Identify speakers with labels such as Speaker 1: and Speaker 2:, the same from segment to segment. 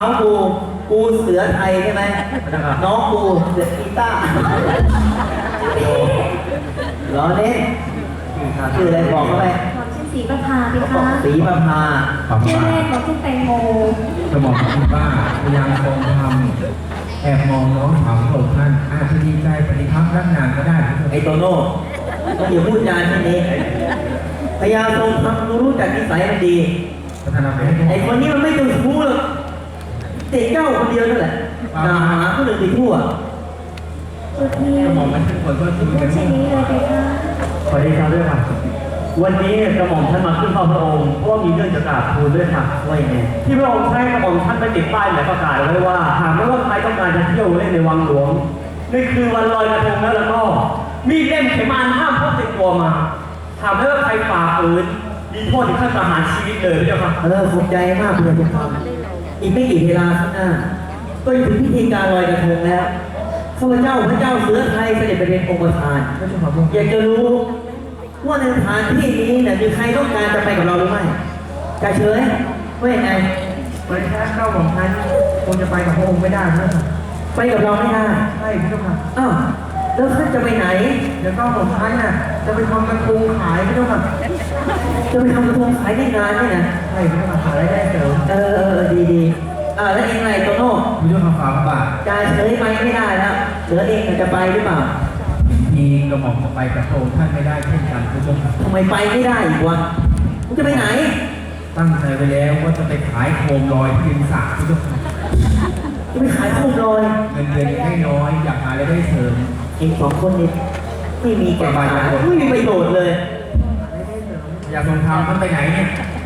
Speaker 1: น้องกูเสือไทยใช่ไหมน้องกูเสือกีตาร์ล้อเล่นชื่ออะไรบอกเข้าไป
Speaker 2: บอกชื่อศรีประภาพี่คะ
Speaker 1: ศรีประภา
Speaker 2: ชื่อเล่นบอกชื่อแตงโม
Speaker 3: จะบอกคุณว่าพยายามทรงทำแอบมองน้องสาวของท่านอาจจะดีใจปฏิภาณรักนานก็ได้
Speaker 1: ไอ้โตโน่ต้องอย่าพูดจาที่นี้พยายามทรงทำรู้จักนิสัยมันดีไอ้คนนี้มันไม่ต้องชู้หรอกเด็กเจ้าคนเดียวนั่นแหละด่าหาคนอื่นไปทั่ว
Speaker 2: ตัวที่
Speaker 3: มองมันเป็นคนก็คือ
Speaker 2: พูดชื่อนี้เลยพี่คะ
Speaker 4: ขอได้ครับด้วยค่ะวันนี้กระหม่อมท่านมาขึ้นเฝ้าพระองค์เพราะว่ามีเรื่องจะกราบทูลด้วยค่ะว่าอย่างไรที่พระองค์ใช้กระหม่อมท่านไปติดป้ายหมายประกาศไว้ว่าหากไม่ว่าใครต้องการจะเที่ยวเล่นในวังหลวงในคืนวันลอยกระทงแล้วก็มีเล่มเขมานห้ามพกติดตัวมาหากไม่ว่าใครฝ่าฝืนมีโทษถึงขั้นประหารชีวิตเลยพี่เจ้าค่ะ
Speaker 1: ขอบใจมากเลยจะทำอีกไม่กี่เวลาข้างหน้าก็จะถึงพิธีการลอยกระทงแล้วข้าพเจ้าพระเจ้าเสือไทยเสด็จไปเป็นองค์ประธานอยากจะรู้ว่าในสถานที่นี้เนี่ยมีใครต้องการจะไปกับเราหรือไม่จะเฉยว่าอย่างไร
Speaker 3: วันแค่เข้าของท่านคงจะไปกับพระองค์ไม่ได้เพื่อน
Speaker 1: ไปกับเราไม่ได้
Speaker 3: ใช่พี่เจ้าค่ะ
Speaker 1: อ้าวแล้วท่านจะไปไหน
Speaker 3: เดี๋ยวก็ของท่านน่ะจะไปทำกระทงขายพี่เจ้าค่ะ
Speaker 1: จะไปทำกระทงขายได้งานเนี่ยนะ
Speaker 3: ใช่พี่เจ้าค่ะขายได้เสริม
Speaker 1: ดีแล้วเองไงโตโน่
Speaker 3: พี่เจ้าค่ะฝากบาท
Speaker 1: จะเฉยไปไม่ได้แล้วเหลือเองจะไปหรือเปล่า
Speaker 3: มีกระหม่อมจะไปกับพระองค์ท่านไม่ได้เช่นกันพี่เจ้าค่ะ
Speaker 1: ทำไมไปไม่ได้อีกวะมึงจะไปไหน
Speaker 3: ตั้งใจไปแล้วว่าจะไปขายโคมลอยที่ริมสระพี่เจ้าค่ะ
Speaker 1: จะไปขายโคมลอย
Speaker 3: เงินเดือนไม่น้อยอยากหาอะไรได้เสริม
Speaker 1: เองสองคนนี้ไม่มีแก่ใจไม่มีประโยชน์เลย
Speaker 3: อยากลงทางท่านไปไหนเนี่ย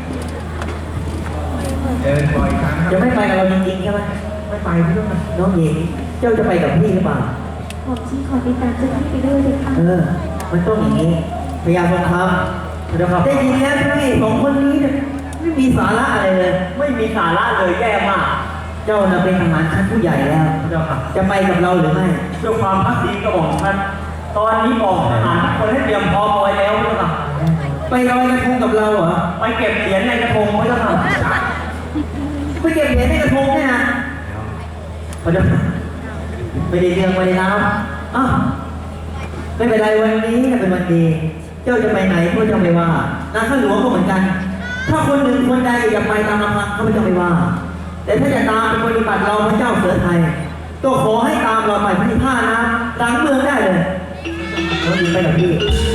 Speaker 3: เดินบ่อยครั้ง
Speaker 1: จะไม่ไปกับเราจริงๆใช่ไหม
Speaker 3: ไม่ไปพี่ต้อง
Speaker 1: น้องหญิงเจ้าจะไปกับพี่หรือเปล่า
Speaker 2: ผมชี้ขอติดตามเจ้าพี่ไปด้วยเลยค่ะ
Speaker 1: มันต้องอย่างนี้พยายามทำได้ยินแล้วพี่สองคนนี้เนี่ยไม่มีสาระอะไรเลย
Speaker 4: ไม่มีสาระเลยแย่มาก
Speaker 1: เจ้าน่ะเป็นทหารชั้นผู้ใหญ่แล้วจะไปกับเราหรือไม่
Speaker 4: ด้วยความพักดีกระบอกท่านตอนนี้บอกทหารทุกคนให้เตรียมพร้อมไว้แล้วพี่เจ้าค่ะ
Speaker 1: ไปลอยกระทงกับเราเหรอ
Speaker 4: ไปเก็บเหรียญในกระทงพี่เจ้าค่ะ
Speaker 1: ไปเก็บเหรียญในกระทงเนี่ยนะไม่ได้เรื่องไม่ได้ราวไม่เป็นไรวันนี้เป็นวันดีเจ้าจะไปไหนก็จะไม่ว่านาข้าหลวงก็เหมือนกันถ้าคนหนึ่งคนใดอยากไปตามลำพังเขาไม่จะไม่ว่าแต่ถ้าจะตามเป็นปฏิบัติเราพระเจ้าเสือไทยก็ขอให้ตามเราไปที่ท่านะหลังเมืองได้เลยเราดีไปกับพี่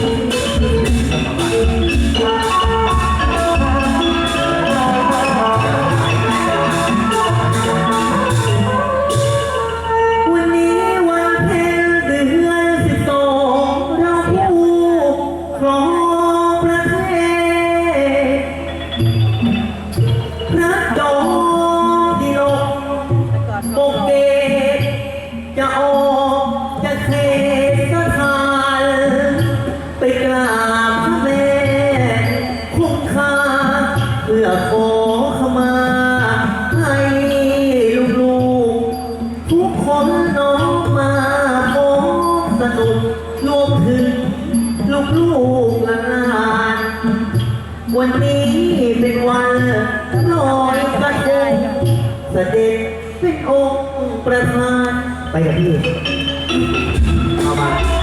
Speaker 1: วันนี้เป็นวันลอยกระทงเสด็จเป็นองค์ประธานไปกับพี่เอามา